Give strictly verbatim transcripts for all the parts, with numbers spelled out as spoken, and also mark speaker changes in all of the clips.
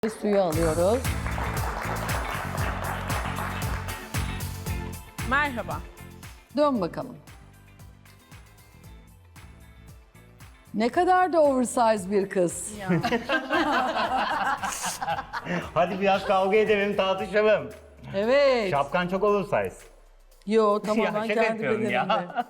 Speaker 1: Suyu alıyoruz.
Speaker 2: Merhaba.
Speaker 1: Dön bakalım. Ne kadar da oversize bir kız.
Speaker 2: Ya.
Speaker 3: Hadi biraz kavga edelim, tartışalım.
Speaker 1: Evet.
Speaker 3: Şapkan çok oversize.
Speaker 1: Yo tamamen
Speaker 3: şaka
Speaker 1: kendi
Speaker 3: yapıyorum
Speaker 1: bedenimde.
Speaker 3: ya.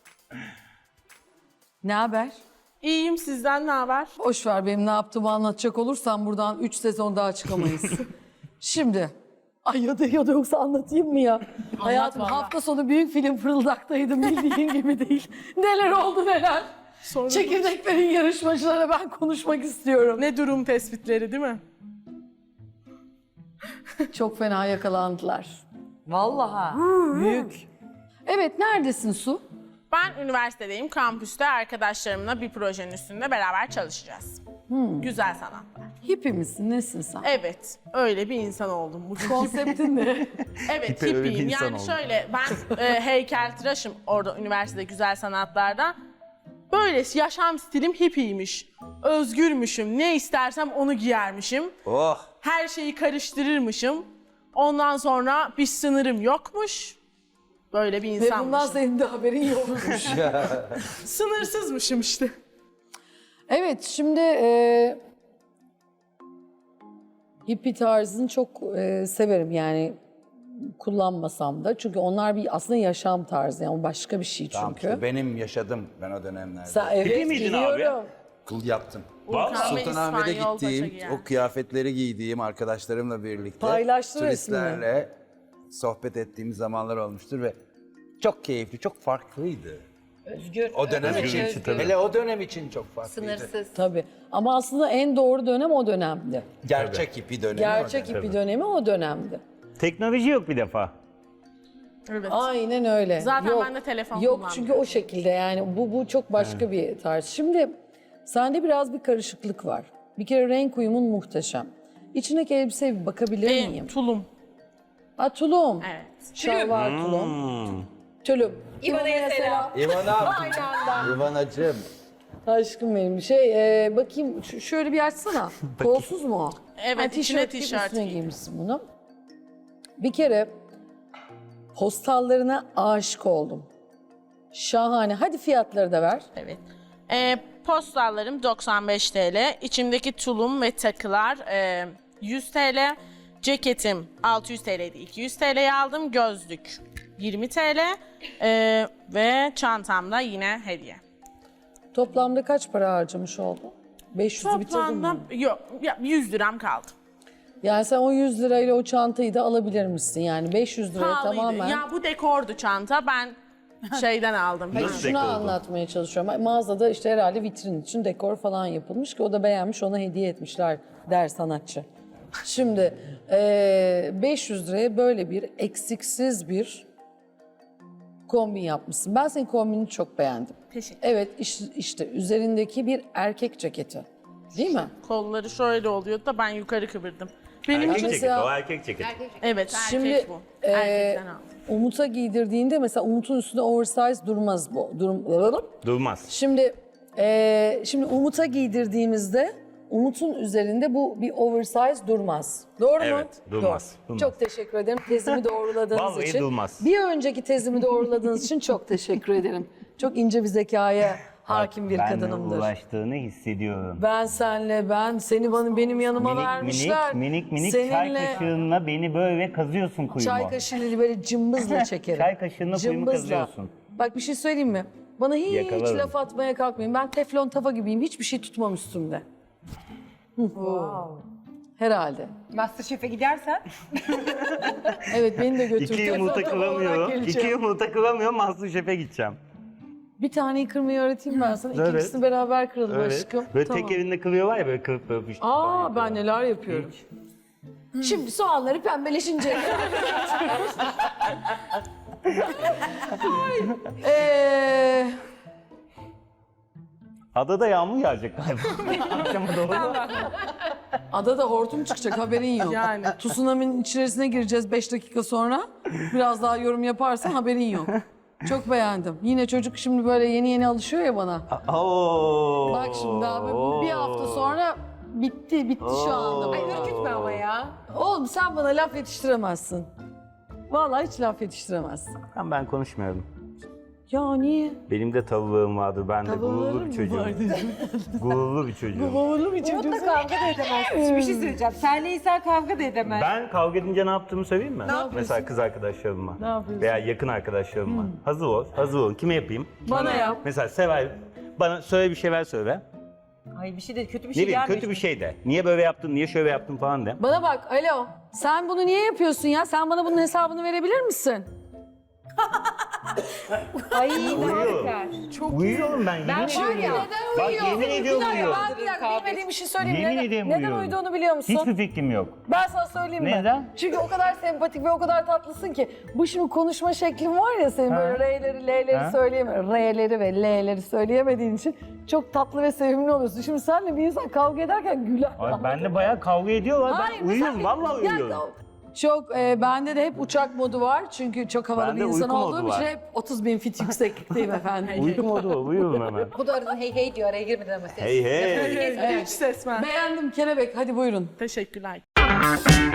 Speaker 1: Ne haber?
Speaker 2: İyiyim, sizden ne haber?
Speaker 1: Boş ver, benim ne yaptığımı anlatacak olursam buradan üç sezon daha çıkamayız. Şimdi. Ay ya da ya da yoksa anlatayım mı ya? Hayatım
Speaker 2: vallahi.
Speaker 1: hafta sonu büyük film Fırıldak'taydım, bildiğin gibi değil. Neler oldu neler.
Speaker 2: Sonra
Speaker 1: Çekirdeklerin yarışmacılara ben konuşmak istiyorum.
Speaker 2: ne durum tespitleri değil mi?
Speaker 1: Çok fena yakalandılar.
Speaker 4: Vallahi.
Speaker 1: Büyük. Evet, neredesin Su?
Speaker 2: Ben üniversitedeyim, kampüste arkadaşlarımla bir projenin üstünde beraber çalışacağız. Güzel sanatlar.
Speaker 1: Hippie misin, nesin sen?
Speaker 2: Evet, öyle bir insan oldum bugün.
Speaker 1: Konseptin ne?
Speaker 2: Evet,
Speaker 3: Hippie öyle bir
Speaker 2: hippiyim.
Speaker 3: insan
Speaker 2: Yani
Speaker 3: oldu.
Speaker 2: şöyle, ben e, heykeltıraşım orada üniversitede güzel sanatlarda. Böyle yaşam stilim hippiymiş. Özgürmüşüm, ne istersem onu giyermişim.
Speaker 5: Oh.
Speaker 2: Her şeyi karıştırırmışım. Ondan sonra bir sınırım yokmuş. Böyle bir
Speaker 1: Ve bundan
Speaker 2: insanmışım.
Speaker 1: senin de haberin yokmuş.
Speaker 2: Sınırsızmışım işte.
Speaker 1: Evet, şimdi e, hippie tarzını çok e, severim yani, kullanmasam da. Çünkü onlar bir aslında yaşam tarzı, yani başka bir şey çünkü.
Speaker 5: Tamam işte benim yaşadım ben o dönemlerde.
Speaker 1: Sen, evet,
Speaker 3: miydin abi?
Speaker 1: biliyorum.
Speaker 5: Kıl yaptım.
Speaker 2: Urkan ve
Speaker 5: Sultanahmet'e
Speaker 2: İspanyol Paşa
Speaker 5: gittiğim,
Speaker 2: giyer.
Speaker 5: o kıyafetleri giydiğim arkadaşlarımla birlikte
Speaker 1: Paylaştı
Speaker 5: turistlerle sohbet ettiğim zamanlar olmuştur ve çok keyifli, çok farklıydı.
Speaker 4: Özgür.
Speaker 5: O dönem
Speaker 3: Özgür
Speaker 5: için,
Speaker 3: için tabii.
Speaker 5: hele o dönem için çok farklıydı.
Speaker 4: Sınırsız.
Speaker 1: Tabii. Ama aslında en doğru dönem o dönemdi.
Speaker 5: Gerçek hippi dönemi
Speaker 1: Gerçek
Speaker 5: o dönem.
Speaker 1: hippie dönemi o dönemdi.
Speaker 3: Teknoloji yok bir defa.
Speaker 2: Evet.
Speaker 1: Aynen öyle.
Speaker 2: Zaten
Speaker 1: yok,
Speaker 2: ben de telefon
Speaker 1: Yok
Speaker 2: kullanmıyorum.
Speaker 1: çünkü o şekilde, yani bu bu çok başka bir tarz. Şimdi sende biraz bir karışıklık var. Bir kere renk uyumun muhteşem. İçindeki elbiseye bir bakabilir
Speaker 2: E,
Speaker 1: miyim?
Speaker 2: tulum.
Speaker 1: Ha, tulum.
Speaker 2: Evet.
Speaker 1: Şalvar tulum. Tülüm.
Speaker 4: İvana'ya selam.
Speaker 5: İvana, İvanacığım.
Speaker 1: Aşkım benim. Şey e, bakayım ş- şöyle bir açsana. Kolsuz mu o?
Speaker 2: Evet,
Speaker 1: Ha,
Speaker 2: içine
Speaker 1: tişört gibi
Speaker 2: tişört
Speaker 1: üstüne
Speaker 2: giydim.
Speaker 1: giymişsin bunu. Bir kere postallarına aşık oldum. Şahane. Hadi fiyatları da ver.
Speaker 2: Evet. E, postallarım doksan beş T L. İçimdeki tulum ve takılar e, yüz T L. Ceketim altı yüz T L'ydi. iki yüz T L'ye aldım. Gözlük yirmi T L. E, ve çantamda yine hediye.
Speaker 1: Toplamda kaç para harcamış oldun? beş yüzü bitirdin
Speaker 2: Toplamda
Speaker 1: mi?
Speaker 2: yok ya, yüz liram kaldı.
Speaker 1: Yani sen o yüz lirayla o çantayı da alabilir misin? Yani beş yüz liraya
Speaker 2: Pahalıydı.
Speaker 1: tamamen...
Speaker 2: Ya bu dekordu çanta. Ben şeyden aldım.
Speaker 1: Hayır,
Speaker 3: Nasıl
Speaker 1: şunu
Speaker 3: dekor oldu?
Speaker 1: anlatmaya çalışıyorum. Mağazada işte herhalde vitrin için dekor falan yapılmış ki o da beğenmiş, ona hediye etmişler der sanatçı. Şimdi eee, beş yüz liraya böyle bir eksiksiz bir kombin yapmışsın. Ben senin kombinini çok beğendim.
Speaker 2: Teşekkür.
Speaker 1: Evet, iş- işte üzerindeki bir erkek ceketi. Değil mi?
Speaker 2: Kolları şöyle oluyordu da ben yukarı kıvırdım. Benim
Speaker 3: Erkek
Speaker 2: için...
Speaker 3: ceketi,
Speaker 1: mesela-
Speaker 3: o erkek ceketi.
Speaker 2: Evet,
Speaker 1: Şimdi,
Speaker 2: erkek bu.
Speaker 1: e,
Speaker 2: Erkekten aldım.
Speaker 1: Umut'a giydirdiğinde mesela Umut'un üstünde oversize durmaz bu. Durum...
Speaker 3: Durmaz.
Speaker 1: Şimdi eee, şimdi Umut'a giydirdiğimizde Umut'un üzerinde bu bir oversize durmaz. Doğru mu?
Speaker 3: Evet, durmaz,
Speaker 1: Doğru.
Speaker 3: durmaz.
Speaker 1: Çok teşekkür ederim tezimi doğruladığınız
Speaker 3: Vallahi
Speaker 1: için.
Speaker 3: durmaz.
Speaker 1: Bir önceki tezimi doğruladığınız için çok teşekkür ederim. Çok ince bir zekaya hakim bir
Speaker 3: Benle
Speaker 1: kadınımdır.
Speaker 3: uğraştığını hissediyorum.
Speaker 1: Ben senle, ben seni bana benim yanıma
Speaker 3: Minik
Speaker 1: vermişler.
Speaker 3: minik minik minik çay
Speaker 1: Seninle
Speaker 3: kaşığınla beni böyle kazıyorsun kuyumu.
Speaker 1: çay kaşığıyla böyle cımbızla çekerim.
Speaker 3: Çay kaşığınla kuyumu
Speaker 1: Cımbızla.
Speaker 3: kazıyorsun.
Speaker 1: Bak bir şey söyleyeyim mi? Bana hiç
Speaker 3: Yakalarım.
Speaker 1: laf atmaya kalkmayın. Ben teflon tava gibiyim. Hiçbir şey tutmam üstümde. Herhalde.
Speaker 4: Masterchef'e gidersen
Speaker 1: Evet, beni de götür.
Speaker 3: İki
Speaker 1: Teflon
Speaker 3: yumurta
Speaker 1: tava olarak
Speaker 3: kıramıyor.
Speaker 1: geleceğim.
Speaker 3: İki yumurta kıramıyor. Masterchef'e gideceğim.
Speaker 1: Bir taneyi kırmayı öğreteyim ben sana.
Speaker 3: Evet.
Speaker 1: İkincisini beraber kıralım
Speaker 3: Evet.
Speaker 1: aşkım.
Speaker 3: Böyle
Speaker 1: Tamam.
Speaker 3: tek elinde kırıyorlar ya böyle kırıp kırıp işte.
Speaker 1: Aa, ben neler yapıyorum. Şimdi soğanları pembeleşince. Eee...
Speaker 3: Adada yağmur yağacak galiba. Akşama doğru.
Speaker 1: Adada hortum çıkacak, haberin yok.
Speaker 2: Yani.
Speaker 1: Tsunami'nin içerisine gireceğiz beş dakika sonra. Biraz daha yorum yaparsan haberin yok. Çok beğendim. Yine çocuk şimdi böyle yeni yeni alışıyor ya bana.
Speaker 3: Oo.
Speaker 1: Bak şimdi abi, bu bir hafta sonra Bitti, bitti şu anda.
Speaker 3: Ay,
Speaker 4: Ürkütme ama ya.
Speaker 1: Oğlum sen bana laf yetiştiremezsin. Vallahi hiç laf yetiştiremezsin.
Speaker 3: Ben, ben konuşmuyorum.
Speaker 1: Ya niye?
Speaker 3: Benim de tavuğum vardır. Ben de
Speaker 1: Tavuğun
Speaker 3: gururlu
Speaker 1: mı
Speaker 3: bir çocuğum.
Speaker 1: vardı?
Speaker 3: Gururlu bir çocuğum.
Speaker 1: Babalı bir
Speaker 4: Umut'la kavga da edemezsin. Bir şey söyleyeceğim. Senle İsa kavga da edemez.
Speaker 3: Ben kavga edince ne yaptığımı söyleyeyim mi?
Speaker 1: yapıyorsun?
Speaker 3: Mesela kız arkadaşlarımla.
Speaker 1: Ne yapıyorsun?
Speaker 3: Veya yakın arkadaşlarımla. Hazır ol, hazır ol. Kime yapayım?
Speaker 1: Bana yap.
Speaker 3: Mesela Seval, bana söyle bir şeyler söyle.
Speaker 4: Ay bir şey de kötü bir
Speaker 3: Ne
Speaker 4: şey
Speaker 3: bileyim
Speaker 4: gelmiyor.
Speaker 3: kötü bir şey de. Niye böyle yaptın, niye şöyle yaptın falan de.
Speaker 1: Bana bak, alo. Sen bunu niye yapıyorsun ya? Sen bana bunun hesabını verebilir misin?
Speaker 4: Ay
Speaker 3: Uyuyorum. Uyuyorum ben, yemin
Speaker 4: Ben var
Speaker 3: ediyorum.
Speaker 4: ya,
Speaker 3: Bak yemin ediyorum
Speaker 1: Bir dakika,
Speaker 3: uyuyorum.
Speaker 1: ben bir dakika bilmediğim bir şey söyleyeyim.
Speaker 3: Yemin
Speaker 1: neden,
Speaker 3: ederim
Speaker 1: neden
Speaker 3: uyuyorum.
Speaker 1: uyuduğunu biliyor musun?
Speaker 3: Hiçbir fikrim yok.
Speaker 1: Ben sana söyleyeyim mi?
Speaker 3: Neden?
Speaker 1: Çünkü o kadar sempatik ve o kadar tatlısın ki. Bu şimdi konuşma şeklin var ya senin
Speaker 3: Ha.
Speaker 1: böyle R'leri, L'leri
Speaker 3: Ha.
Speaker 1: söyleyemiyorsun. R'leri ve L'leri söyleyemediğin için çok tatlı ve sevimli oluyorsun. Şimdi senle bir insan kavga ederken güler.
Speaker 3: Ay benle bayağı kavga ediyorlar.
Speaker 1: Hayır,
Speaker 3: Ben uyuyorum,
Speaker 1: mesela-
Speaker 3: vallahi
Speaker 1: Ya,
Speaker 3: uyuyorum.
Speaker 1: çok e, bende de hep uçak modu var çünkü çok havalı
Speaker 3: Bende
Speaker 1: bir insan
Speaker 3: uyku modu
Speaker 1: olduğum için
Speaker 3: var.
Speaker 1: hep otuz bin fit yükseklikteyim efendim.
Speaker 3: Uykum oldu, uyuyorum hemen.
Speaker 4: Bu da arada hey hey diyor araya girmeden mesela.
Speaker 3: Hey hey.
Speaker 2: Hiç sesmen.
Speaker 1: Beğendim kelebek, hadi buyurun.
Speaker 2: Teşekkürler.